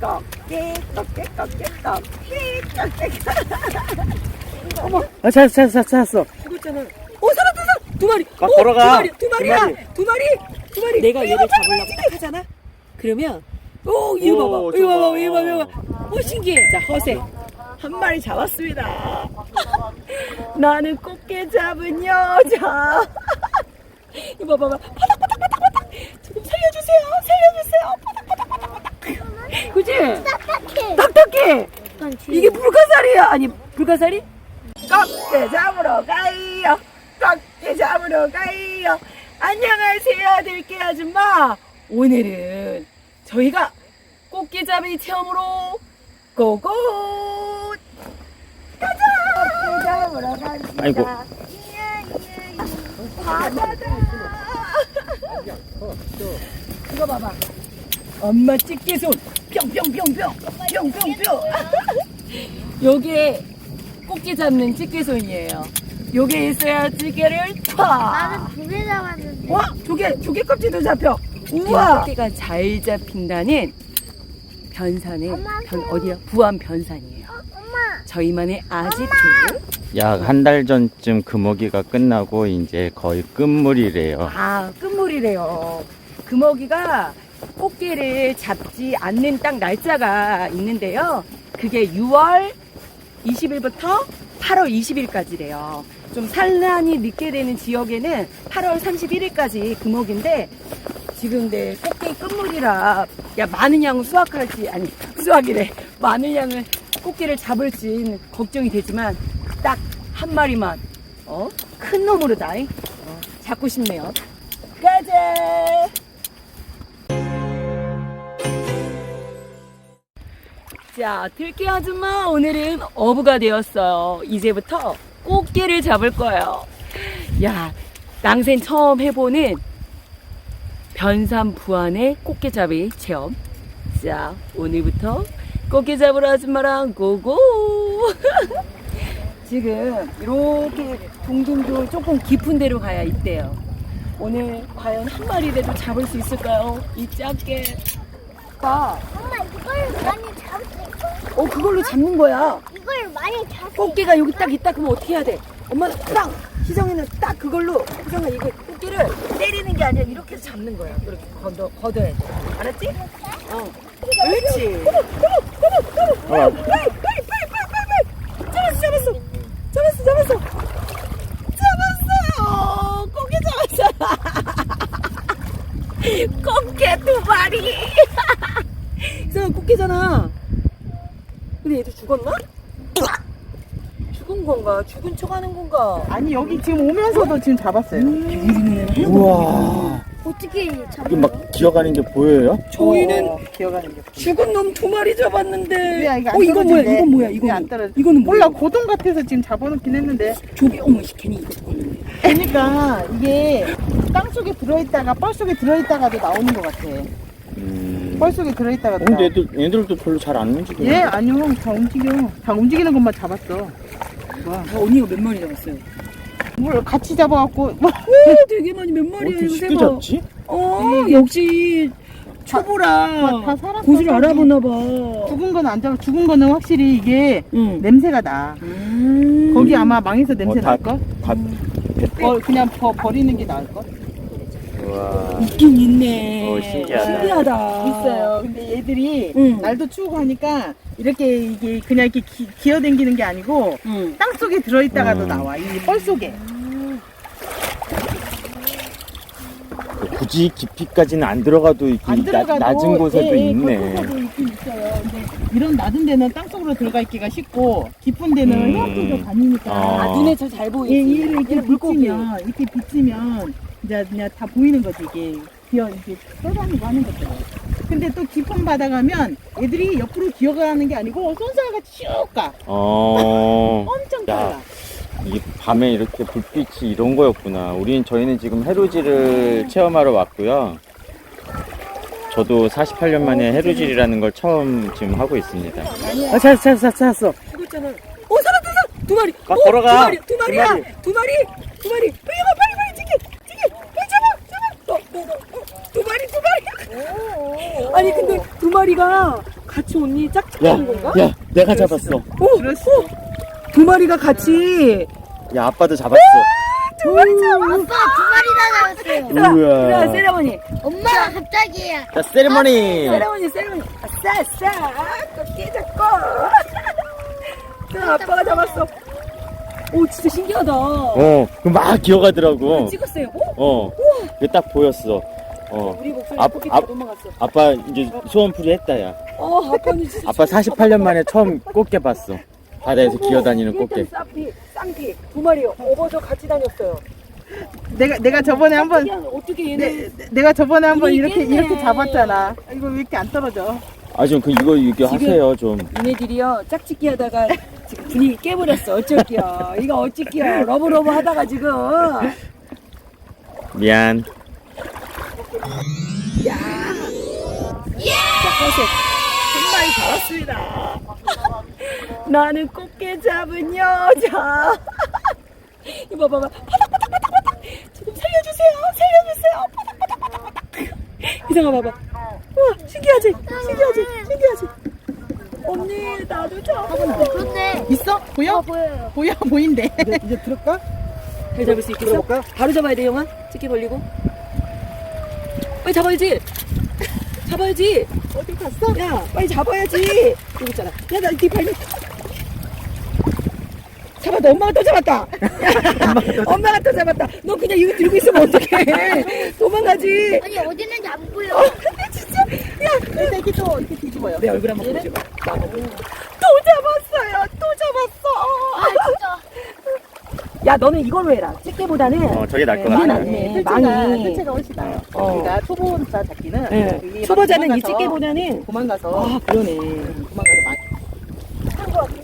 꺾기 꺾기 꺾기 꺾기 꺾기. 어머, 찾았어. 죽었잖아. 살았다. 두 마리. 돌아가. 두 마리. 내가 얘를 잡으려고 딱 하잖아. 그러면 이거 봐봐. 신기해. 자, 허세. 한 마리 잡았습니다. 나는 꽃게 잡은 여자. 이거 봐봐. 바닥. 좀 살려주세요. 바닥. 그치? 딱딱해. 이게 불가사리야. 아니, 불가사리? 꺾게 잡으러 가요. 안녕하세요, 들깨 아줌마. 오늘은 저희가 꽃게잡이 체험으로 고고 가자. 꽃게 잡으러 갑니다. 아이고. 바다다. 이거 봐봐. 엄마 집게손 뿅뿅뿅뿅. 요게 꽃게 잡는 집게손이에요. 요게 있어야 찌개를 나는 두 개 잡았는데. 와, 조개 껍질도 잡혀. 우와. 꽃게가 잘 잡힌다는 변산의 어디야? 부안 변산이에요. 엄마. 저희만의 아지트. 약 한 달 전쯤 금어기가 끝나고 이제 거의 끝물이래요. 끝물이래요. 금어기가 꽃게를 잡지 않는 딱 날짜가 있는데요. 그게 6월 20일부터 8월 20일까지래요. 좀 산란이 늦게 되는 지역에는 8월 31일까지 금어기인데 지금 내 꽃게 끝물이라 많은 양을 많은 양을 꽃게를 잡을지 걱정이 되지만 딱 한 마리만 큰 놈으로 잡고 싶네요. 가자. 자, 들깨 아줌마 오늘은 어부가 되었어요. 이제부터 꽃게를 잡을 거예요. 야, 낭생 처음 해보는 변산 부안의 꽃게잡이 체험. 자, 오늘부터 꽃게 잡으러 아줌마랑 고고. 지금 이렇게 둥둥둥 조금 깊은 데로 가야 있대요. 오늘 과연 한 마리라도 잡을 수 있을까요? 이 작게. 엄마 이걸 많이 잡을 수 있어? 그걸로 잡는 거야. 이걸 많이 잡을 수 꽃게가 여기 딱 있다 그러면 어떻게 해야 돼? 엄마는 딱, 희정이는 딱 그걸로, 희정아 이거 꽃게를 때리는 게 아니라 이렇게 해서 잡는 거야. 이렇게 걷어야 돼. 알았지? 그렇지. 빨리. 잡았어. 꽃게 잡았어. 꽃게 두 마리. 희정아 꽃게잖아. 근데 얘도 죽었나? 죽은 건가? 죽은 척 하는 건가? 아니 여기 지금 오면서도 지금 잡았어요. 우와. 어떻게 잡아? 이게 막 기어가는 게 보여요? 저희는 기어가는 게. 죽은 놈 두 마리 잡았는데. 왜 이거 안 이건 떨어지네? 뭐야? 이건 뭐야? 왜 안 떨어져? 이거는 뭐야? 몰라 고동 같아서 지금 잡아놓긴 했는데. 조개 어머 괜히 이거 죽었는데. 그러니까 이게 땅 속에 들어있다가 뻘 속에 들어있다가도 나오는 것 같아. 뻘 속에 들어있다가도. 근데 나와. 얘들도 별로 잘 안 움직여. 얘 아니요 다 움직여. 다 움직이는 것만 잡았어. 언니가 몇 마리 잡았어요? 뭘 같이 잡아갖고. 되게 많이 몇 마리야 어떻게 이거 쉽게 세봐. 잡지? 역시 초보라 다 살았어. 고수를 알아보나 봐. 죽은 거는 안 잡아. 죽은 거는 확실히 이게 응. 냄새가 나. 거기 아마 망에서 냄새 날걸? 다 그냥 버리는 게 나을걸? 우와. 있긴 있네. 신기하다. 있어요. 근데 얘들이 응. 날도 추우고 하니까 이렇게 이게 그냥 이렇게 기어다니는 게 아니고 응. 땅 속에 들어있다가도 나와. 이 뻘 속에. 굳이 깊이까지는 안 들어가도 이렇게 안 들어가도 낮은 곳에도 있네. 깊은 곳에도 있긴 있어요. 근데 이런 낮은 데는 땅 속으로 들어가 있기가 쉽고 깊은 데는 헤엄쳐서 다니니까 눈에 잘 보이지. 얘를 이렇게 물고기. 비치면 이제 그냥 다 보이는 거지 이게 이렇게 떠다니고 하는 것들. 근데 또 깊은 바다 가면 애들이 옆으로 기어가는 게 아니고 손살같이 쭉 가. 엄청 빨라. 이 밤에 이렇게 불빛이 이런 거였구나. 저희는 지금 해루질을 체험하러 왔고요. 저도 48년 만에 해루질이라는 걸 처음 지금 하고 있습니다. 찾았어. 죽었잖아. 살았다. 두 마리. 돌아가. 두 마리야. 두 마리. 빨리 찌개. 빨리 잡아. 두 마리. 아니 근데 두 마리가 같이 언니 짝짓기 하는 건가? 야, 내가 잡았어. 오, 두 마리가 같이. 야, 아빠도 잡았어. 두 마리 잡았어. 아빠 두 마리 다 잡았어요. 우와. 그래, 세레머니. 엄마 갑자기야. 자, 세리머니. 세레머니. 아싸. 꽃게 잡고. 자, 아빠가 잡았어. 오, 진짜 신기하다. 그 막 기어가더라고. 찍었어요. 그게 딱 보였어. 우리 목소리 아, 꽃게 아, 도망갔어. 아빠 이제 소원풀이 했다, 야. 아빠는 진짜. 아빠 48년 만에 처음 꽃게 봤어. 바다에서 기어다니는 꽃게. 쌍피 두 마리 업어서 같이 다녔어요. 내가 저번에 한번 어떻게 얘는 내가 저번에 한번 분위기 깼네. 이렇게 잡았잖아. 이거 왜 이렇게 안 떨어져? 아, 좀 이거 지금- 하세요, 좀. 얘네들이요 짝짓기 하다가 지금 분위기 깨버렸어. 어쩔게요. 이거 어쩔게요. 러브러브 하다가 지금 미안. 짝짓기 한 마리 잡았습니다. 나는 꽃게 잡은 여자. 이거 봐봐. 바닥. 지금 살려주세요. 바닥. 이상아 봐봐. 우와, 신기하지? 언니, 나도 잡아. 그런데 있어? 보여? 보여요. 보인대. 이제 들을까? 잘 잡을 수 있겠어? 바로 잡아야 돼, 영아. 찍게 벌리고. 빨리 잡아야지. 어디 갔어? 야, 빨리 잡아야지. 여기 있잖아. 야, 나네 발밑. 잡았다. 엄마가 또 잡았다. 엄마가 또 잡았다. 너 그냥 이거 들고 있으면 어떡해. 도망가지. 아니 어디 있는지 안 보여. 근데 진짜. 야, 근데 이렇게 또 이렇게 뒤집어요. 내 얼굴 한번 보여줘. 또 잡았어. 아 진짜. 야, 너는 이걸로 해라. 집게보다는. 저게 나을 것 이게 같아. 낫네. 망이. 뜰채가 훨씬 나아요. 어. 우리가 초보자 잡기는 네. 여기 초보자는 이 도망가서 집게보다는. 도망가서 아, 그러네. 도망가서 많이.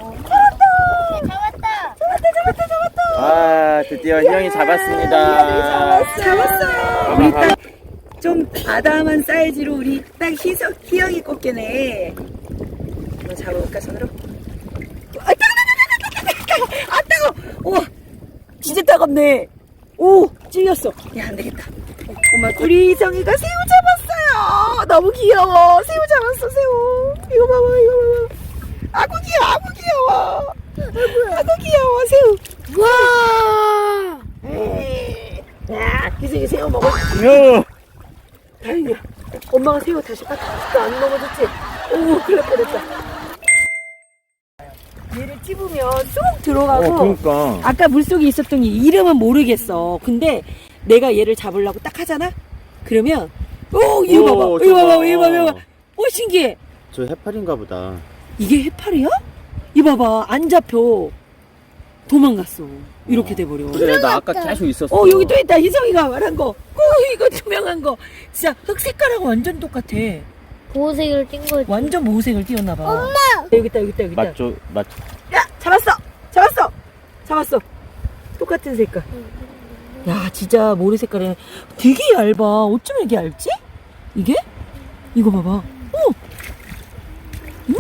잡았다. 아, 드디어 희영이 잡았습니다. 잡았어. 우리 딱 좀 아담한 사이즈로 우리 딱 희영이 꽃게네. 한번 잡아볼까 손으로? 아 따가워. 우와, 진짜 따갑네. 오, 찔렸어. 야, 안 되겠다. 엄마, 우리 희정이가 새우 잡았어요. 너무 귀여워. 새우 잡았어, 새우. 이거 봐봐. 아구 귀여워. 아구 귀여워, 새우. 와. 야, 희정이 새우 먹어. 다행이야. 엄마가 새우 다시 안 먹어줬지? 오, 큰일 날 뻔했다. 얘를 찝으면 쏙 들어가고. 그러니까. 아까 물속에 있었던 이 이름은 모르겠어. 근데 내가 얘를 잡으려고 딱 하잖아? 그러면, 이거 봐봐. 오, 신기해. 저 해파리인가 보다. 이게 해파리야? 이거 봐봐. 안 잡혀. 도망갔어. 이렇게 돼버려. 그래, 나 아까 계속 있었어. 여기 또 있다. 희성이가 말한 거. 이거 투명한 거. 진짜 흙 색깔하고 완전 똑같아. 보호색을 띈 거지. 완전 모색을 띄웠나봐. 엄마! 여기 있다. 맞죠? 야, 잡았어. 똑같은 색깔. 야, 진짜 모래 색깔이 되게 얇아. 어쩜 이렇게 얇지? 이게? 이거 봐봐. 응?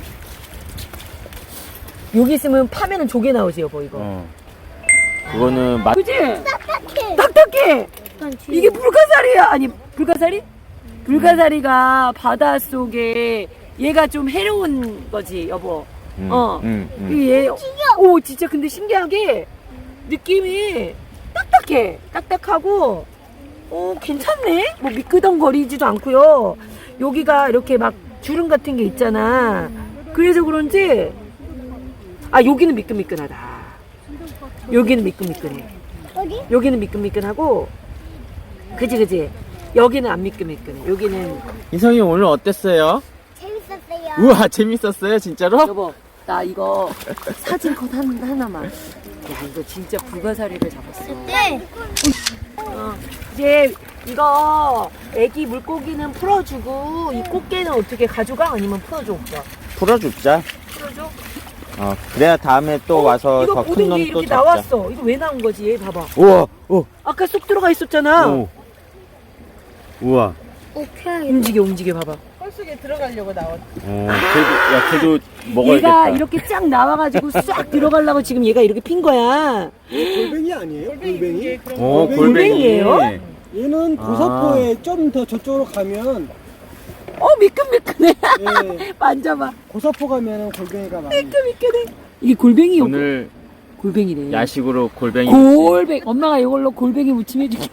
여기 있으면 파면은 조개 나오지, 여보, 이거. 그거는 그치? 딱딱해. 이게 불가사리야. 아니, 불가사리? 불가사리가 바닷속에 얘가 좀 해로운 거지, 여보. 얘, 오, 진짜 근데 신기하게 느낌이 딱딱하고, 괜찮네? 뭐 미끄덩거리지도 않고요. 여기가 이렇게 막 주름 같은 게 있잖아. 그래서 그런지, 여기는 미끈미끈하다. 여기는 미끈미끈해. 여기는 미끈미끈하고, 그지? 여기는 안 미끈미끈해. 여기는. 희성이 오늘 어땠어요? 재밌었어요. 우와, 재밌었어요, 진짜로? 여보, 나 이거 사진 컷 하나만. 야, 이거 진짜 불가사리를 잡았어. 네. 이제 이거 애기 물고기는 풀어주고 이 꽃게는 어떻게 가져가? 아니면 풀어줘 오빠? 풀어줍자. 풀어줘? 그래야 다음에 또 와서 이거 더 큰 모든 게 놈 또 이렇게 잡자. 나왔어. 이거 왜 나온 거지? 얘 봐봐. 우와, 아까 쏙 들어가 있었잖아. 우와. 오케이. 움직여 봐봐. 홀속에 들어가려고 나왔. 걔도 먹어야겠다. 얘가 이렇게 쫙 나와가지고 싹 들어가려고 지금 얘가 이렇게 핀 거야. 골뱅이 아니에요? 골뱅이? 골뱅이에요? 얘는 고사포에 좀 더 저쪽으로 가면 미끈미끈해. 예. 만져봐. 고사포 가면은 골뱅이가 많이. 미끈미끈해. 이게 골뱅이 오늘 골뱅이래. 야식으로 골뱅이. 골뱅이. 엄마가 이걸로 골뱅이 무침 해줄게.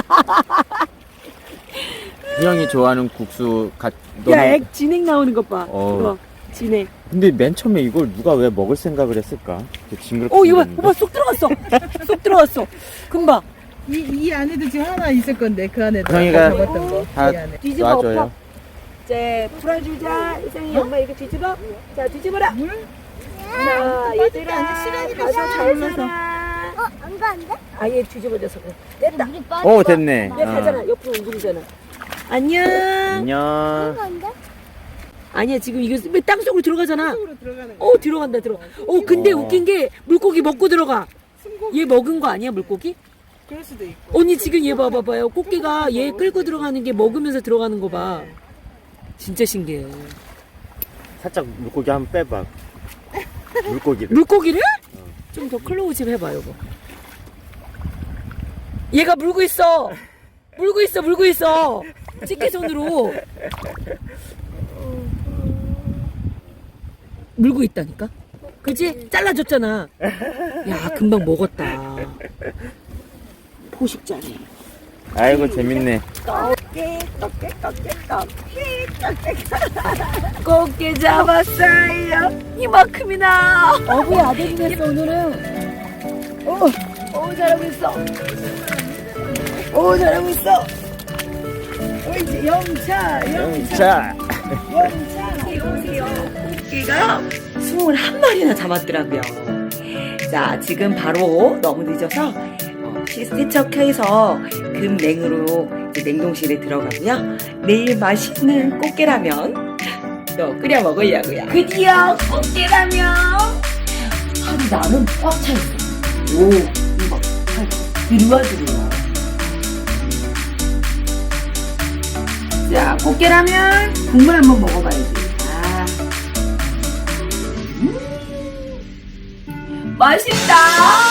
형이 좋아하는 국수 야, 액 진액 나오는 것 봐. 어. 이거 진액. 근데 맨 처음에 이걸 누가 왜 먹을 생각을 했을까? 그 징그럽게 이거 봐. 생겼는데. 오빠 쏙 들어갔어. 쏙 들어갔어. 금방. 이 안에도 지금 하나 있을 건데 그 안에도 형이가 아까 잡았던 거. 다 이 안에. 뒤집어 놔줘요. 엎어. 이제 풀어주자. 이상이 엄마 이거 뒤집어. 자, 뒤집어라. 자, 얘들아. 아니, 시간이 가서 잘 몰라서. 살아. 안 가, 안 돼? 아예 뒤집어져서 그래. 됐다. 물이 빠져. 오 됐네. 얘 가잖아. 옆으로 웅둥이잖아. 안녕. 안녕. 안 돼? 아니야, 지금 이거 왜 땅속으로 들어가잖아. 속으로 들어가는 거. 들어간다, 들어가. 근데 어. 웃긴 게 물고기 먹고 들어가. 얘 먹은 거 아니야, 물고기? 그럴 수도 있고. 언니 지금 얘 봐봐요. 꽃게가 얘 끌고 들어가는 게 먹으면서 들어가는 거 봐. 진짜 신기해. 살짝 물고기 한번 빼봐. 물고기를. 물고기를? 좀 더 클로즈업 해봐, 여보. 얘가 물고 있어. 물고 있어, 물고 있어. 집게손으로. 물고 있다니까? 그지? 잘라줬잖아. 야, 금방 먹었다. 포식자네. 아이고 재밌네. 꽃게 잡았어요. 이만큼이나. 어부의 아들이 됐어, 오늘은. 잘하고 있어. 잘하고 있어. 이제 영차. 자. 오세요. 꽃게가 21마리나 잡았더라고요. 자, 지금 바로 너무 늦어서 세척해서 금냉으로 이제 냉동실에 들어가고요. 내일 맛있는 꽃게라면 또 끓여 먹으려고요. 드디어 꽃게라면 하루 나는 꽉 차있어. 이거 들어와. 자, 꽃게라면 국물 한번 먹어봐야지. 맛있다.